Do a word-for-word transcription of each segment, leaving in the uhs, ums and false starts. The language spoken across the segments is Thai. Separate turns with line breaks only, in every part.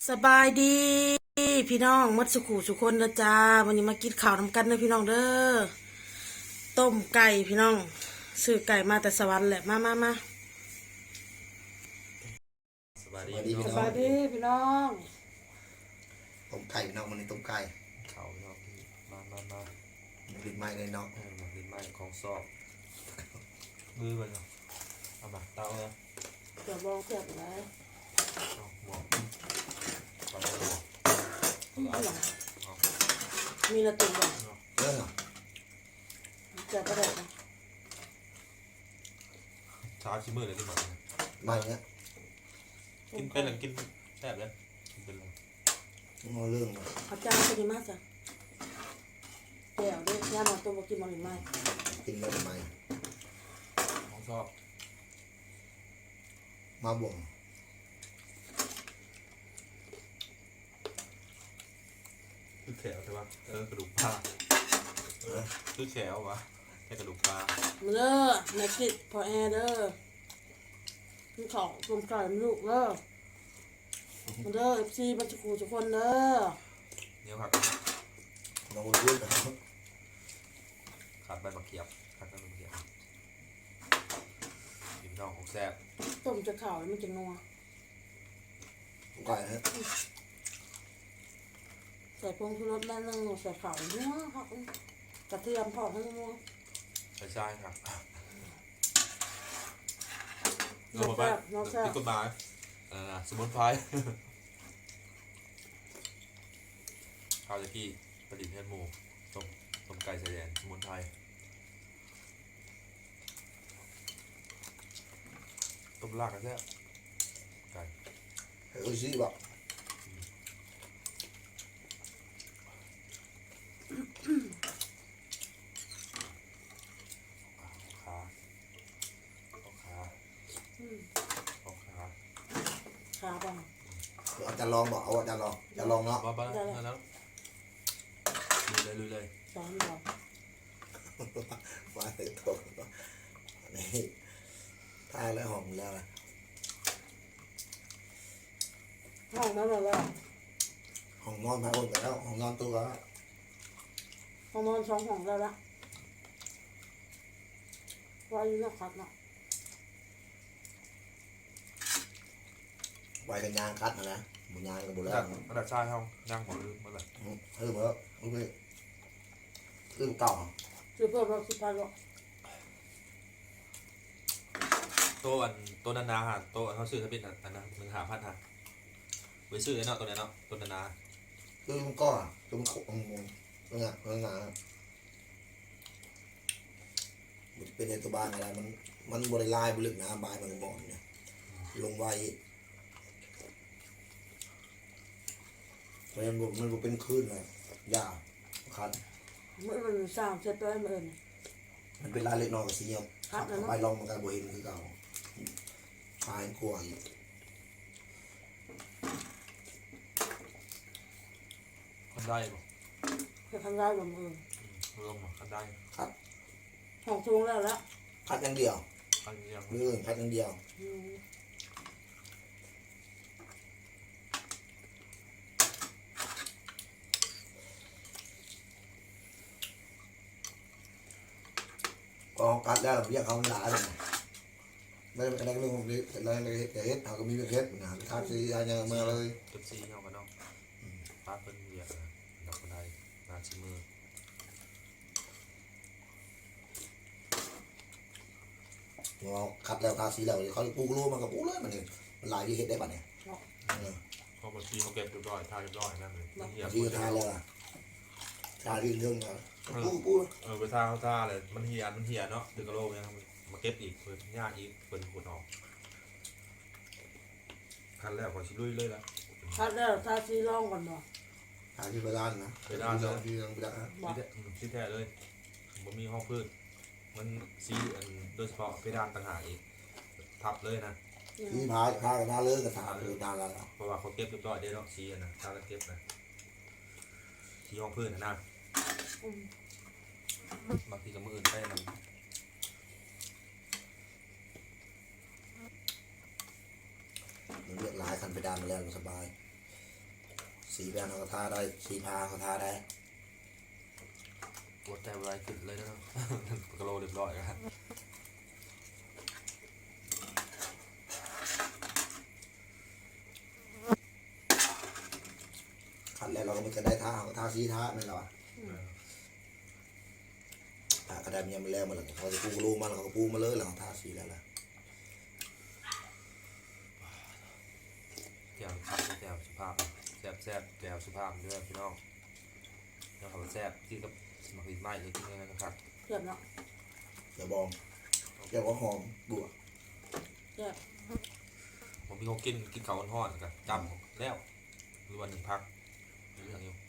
สบายดีพี่น้องมัดสุขุสุคนนะจ้าวันนี้มากินข้าวทำกันนะพี่น้องเด้อต้มไก่พี่น้องซื้อไก่มาแต่สวรรค์แหละมามามา
สวัสดี
สวัสดี
พี่
ส
น้อง
บายดีพี่น้อง
ต้มไก่พี่น้องมันนี่ต้มไก่
เขาพี่น้องพี่มามามา
มันดิบไม้เลยเนาะ
เออมาดินไม้ของซอกมือไปเนาะเอามาเตาเนาะ
เดี๋ยวลองเสียบเลย
เอาหมวกปากหมวก
อืม
เอา
หลัง
เอา
มีละตุ่มบ่
เรื่องอ่ะ
เสียบก็ได้นะ
เช้าชิมือเลยที่มา
ไม้เนี้ย
กินเป็นหรือกินแซ่บเลยกินเป็นเลย
มันเรื่องอ่ะ
เอาจารย์ไปดีมากจ้ะแก้วเด้ย่ามาต้มบ่กินมันหรือไม่
กินแล้วทำไม
ของซอก
มาบ่ง
คือแขวใช่ปะเออกระดูกปลาเออคือแขววะแค่กระดูกปลา
มาเด้อแม่กิดพอแอร์เด้อพี่ของต้มไก่มันลูกเด้อมาเด้อเอฟซีมัดสุขุสุคนเด้อ
เนี่ยผัก
น้องคนพูดนะ
ขาดใบมะเขียบขาดใบมะเขียบกินน้องของแซ่บ
ต้มจะข่าวมันจะนัว
ต้มไก่ฮะ
ใส่พงชูรสแม่นึงใส่ข่าวนัวครับกระเทียมพอทั้งนัว
ใช่ใช่ครับ
น้องแซ่บน้องแซ่บ
ที่กฎหมายอ่าสมุนไพรข้าวตะกี้ประดิษฐ์เฮ็ดหมูต้มต้มไก่ใส่แดนสมุนไพรต้มลากกันแซ่บไก่
เฮ้ยซีบอก
ขาเอาขา
อืม
เอาขา
ขาบ้าง
อาจารย์ลองบอกเอาอาจารย์ลองอาจารย์ลองเนาะ
บ้าบ้าแล้วลุยเลยลุยเลย
สอนเรา
มาเลยโตนี่ทายแล้วหอมแล้วนะ
ห้องนั้นเราแล้ว
ห้องนอนพาคนไปแล้วห้องนอนตัวก็
ห้องนอนสองห้องแล้วละวาอยู่นักขัดเนาะ
ไว้กันยางคัดนะนะบุญยางกับบุญ
ระ
แล้
ดั
ว
บระดับชายเฮาย่างหมดลืมหมดเลย
เฮ้ยเมื่อเมื่อเรื่องเก่า
ซื้อเพิ่มเราสิบพันหรอก
โต๊ะอันโต๊ะนานาฮะโต๊ะเขาซื้อทะเบียนอันนั้นหนึ่งหาพันฮะไว้ซื้อไอ้เนาะตัวนี้เนาะตัวนานา
เรื่องก้อนเรื่องขมเรื่องเรื่องงานมันเป็นในตัวบ้านอะไรมันมันบริลายบริลึกน้ำบายมันบ่อนเนี่ยลงไว้มันมันมันเป็นคลื่นเลยยาวคัน
เมื่อมันสร้างเสร็จแล้วมัน
มันเป็นลายเล็กน้อยกับสีเงียบ
ครับนะ
ไปลองมันกันบ่เห็นคือเก่าคลายกลัวอีก
คันได้ป่ะ
จะทำได้แบบมือ
รวมคันได้
ครับ
ห้องทวงแล้วละ
คัดอย่างเดียว
คันเดียว
มืออื่นคัดอย่างเดียว
อืม
ก็คัดแล้วเรียกเขาหลายเลยไม่เป็นอะไรเรื่องนี้อะไรอะไรเฮ็ดเขาก็มีเฮ็ดนะคัดสีอะไรมาเลย
จุดซีเฮากันเนาะป้าเป็นเวียดนะดอกคนใดนาชิมือ
เราคัดแล้วทาสีแล้วเขาปูรู้มันก็ปูเลยมันนี่มันลายที่เฮ็ดได้ป่ะเนี่ย
เขาบางทีเขาเก็บเรียบร้อยทาเรียบร้อยนั่นเลยเหี่ย
ที่ทาแล้วทาที่เรื่องปูปู
เออไปทาเขาทาเลยมันเหี่ยมันเหี่ยเนาะดึงกระโหลกเนี่ยมาเก็บอีกเปิดยากอีกเปิดขุดออกคันแรกขอชิลุยเลยละ
คัดแล้วทาสีร่องก่อนเนาะ
ทาที่ไปด้านนะที่ยังไปด้าน
บอก
ที่แท้เลยผมมีห้องพื้นมันซีอันโดยเฉพาะเพดานต่างหากอีกทับเลยนะ
ที่พาพากับทาเลยกับทาคือทาแล้ว
เพราะว่าเขาเก็บเรียบร้อยได้เนาะซีอันนะทาแล้วเก็บนะที่ห้องพื้นนะนะ
อืม
บางทีก็มืออื่นไปนะ
มันเลือกลายคันไปด้านมาแล้วสบายสีแดงเขาก็ทาได้สีพาเขาทาได้
ปวดใจอะไรขึ้นเลยนะ กระโลเรียบร้อยครับ
ขัดแล้วเราก็ไม่จะได้ทาเขาก็ทาสีทาไม่หรอทากระดาษยังไม่แล้วมันหรอกเขาจะปูรูมันเขาก็ปูมาเลยแล้วเขาทาสีแล้วล่ะ
แก้วครับแก้วสุภาพแซ่บแซ่บแก้วสุภาพด้วยพี่น้องแล้วเขาแซ่บที่กับหมักดินไม้เลยที่นี่นะครับ
เรียบเนาะ
เดี๋ยวบองเดี๋ยวก็หอมบัว
เรียบ
ผมมีของกินกินข้าวห่อนๆกันจำแล้วหรือวันหนึ่งพักเรื่องอยู่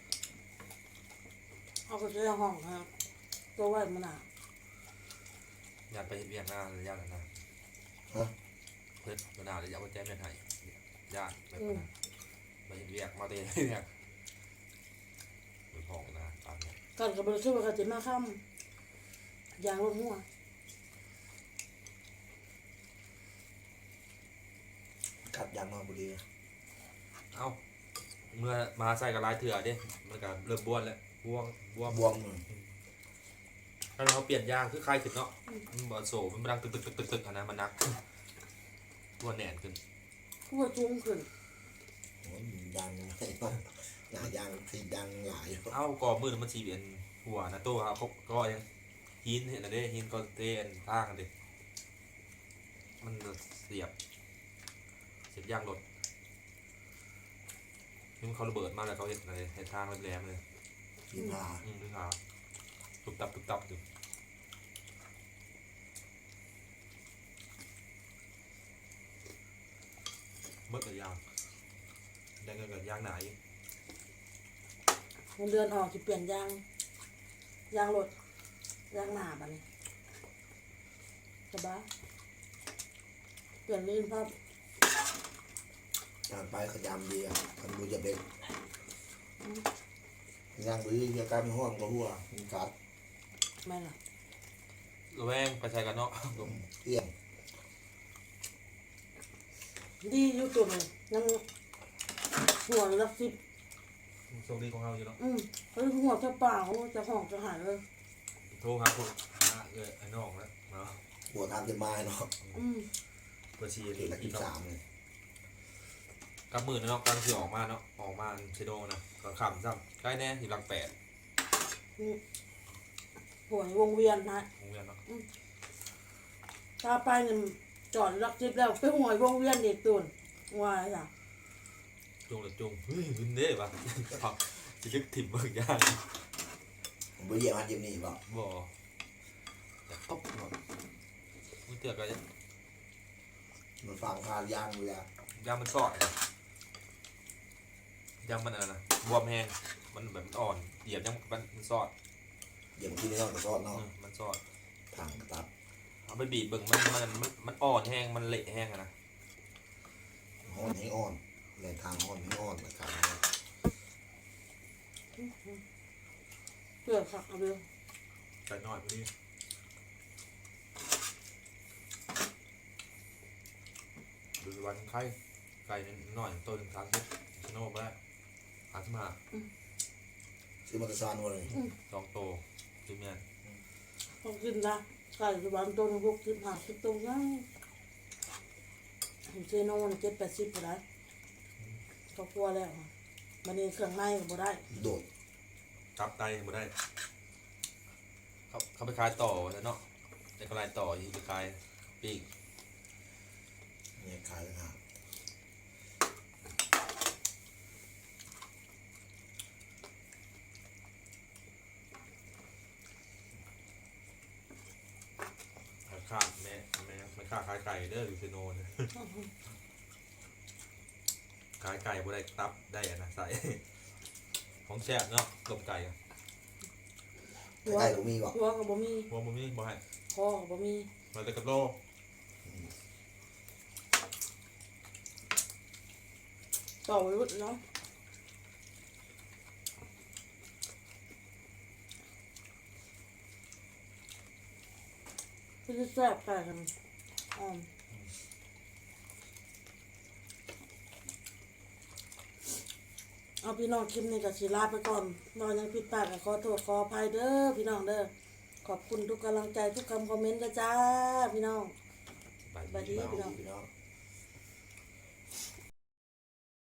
เอาไปใช้ห้องครับตัวไว้มันอ่ะ
อยากไปเห็นเวียงหน้าระยะนั้นนะ
ฮะ
เพื่อนเวลาระยะว่าแจ้งเป็นไห้ญาติแบบนั้นไปเห็นเวียงมาเตะเวียงไปพองนะตามนี้
กันกับบริษัทว่ากันจะมาค่ำยางรถหัว
กัดยางนอนบุรี
เอ้าเมื่อมาใส่กับลายเถื่อเด้มันก็เริ่มบ้วนแล้วบ้วงบ้วง
บวมเลย
ถ้าเราเปลี่ยนยางคือคลายขึ้นเนาะมันบอโซ่มันดังตึกตึกตึกตึกตึกอันนั้นมันนักตัวแหน่นขึ้น
หัวจุ้งขึ้น
โอ้ยยางไม่ต้องหน้ายางสียางหลาย
เอ้ากรอบมือมันสีเป็นหัวนะตัวครับเขาก็ยังหินเห็นอะไรหินก็เต้นท่ากันดิมันเสียบเสียบยางรถนี่มันเขาระเบิดมากเลยเขาเห็นอะไรเห็นทางแหลมๆเลย
สีพา
อืมนี่ครับตุบตับตุบตับอยู่เมื่อกับยางได้เงินกับยางไหน
เงินเดือนออกจะเปลี่ยนยางยางรถยางหนาบัดนี้สบายเปลี่ยนลื่นภาพ
การไปขยำดีอ่ะทำดูจะเป็นยางบุรีมีอาการห้องก็หัวมีกัด
ไม่ล่ะ
ระแวงไปใช้กันเนาะ
เอี่ยง
ดีอยู่ตัวเลยยังหัวรักสิบ
โชคดีของเราอยู่เนาะ
อืมเฮ้ยหัวจะเปล่าจะห้องจะหายเลย
โทรหาคุณหาเออไอ้น้องแล้วเนาะ
หัวทำจะมาเนาะ
อืม
เปิดชี
เด็กละ
อี
ที่
กเนาะ
สามเลย
กำมือเนาะกำลังที่ออกมาเนาะออกมาเชโดนะก็ขำซ้ำใกล้แน่อยู่หลังแปด
หัววงเวียนนะ
โรงเรียนเนาะ
ตาไปเนี่ยจอดรักจิบแล้วไปหัววงเวียนเด็กตุนวายล่ะ
จุงหรือจุงเฮ้ยวินเด้ปะครับจะลึกถิ่มเบิกยาง
ผมไปเหยียบมันยิมนี่บอก
บ่จะตบหมดมึงเตือนกัน
มันฟังพายางเลยอะ
ยางมันสอดนะยางมันอะไรนะบวมแห้งมันแบบมันอ่อนเหยียบยังมันมันสอด
เหยียบที่นี่นอกจากซอดนอก
อืมมันสอด
ทางตัด
เอาไปบีบเบิ่งมันมันมันมันอ่อนแห้งมันเละแห้งอะนะ
ห้อนให้อ่อนในทางห้อนให้อ่อนนะครับ
เพื่อขักเอาเรื่อง
ใส่หน่อยพอดีดูวันไข่ไก่หน่อยตัวหนึ่งสามสิบชโนไปแล้วสามสิบห้า
ซื้อมากระซานมาเลย
สองโตจุ่มเนี่ย
ต้องกินนะไก่สวรรค์ตัวหนึงหกสิบห้าสิบตัวง่ายเซโน่นเจ็ดแปดสิบก็ได้ก็กลัวแล้วมันนี่เครื่องในก็บ่ได้
โดด
ตับไตหมดได้เขาเขาไปขายต่อแล้วเนาะแต่ก็รายต่อที่ไปขายปีก
เนี่ยขายต่างหาก
ค่าแม่แม่ไม่ค่าขายไก่เด้ออยู่เซโนเนี่ยขายไก่บ่ได้ตับได้อะนะใส่ ของแซ่บเนาะต้มไก่อะ
หัว
ใกล้ๆผมมีบอก
หัวก็บ่มี
หัวบ่มีบ่ให้
คอก็บ่มี
มาแต่กับโล
ต่อไว้รุ่นเนาะก็จะแซ่บไก่กันอ่อมเอาพี่น้องคลิปนี้ก็สิลาไปก่อนนอนยังผิดพลาดก็ขอโทษขออภัยเด้อพี่น้องเด้อขอบคุณทุกกำลังใจทุกคำคอมเมนต์นะจ้าพี่น้อง
บาย
บัด
ดี
นี้
พี่น้อง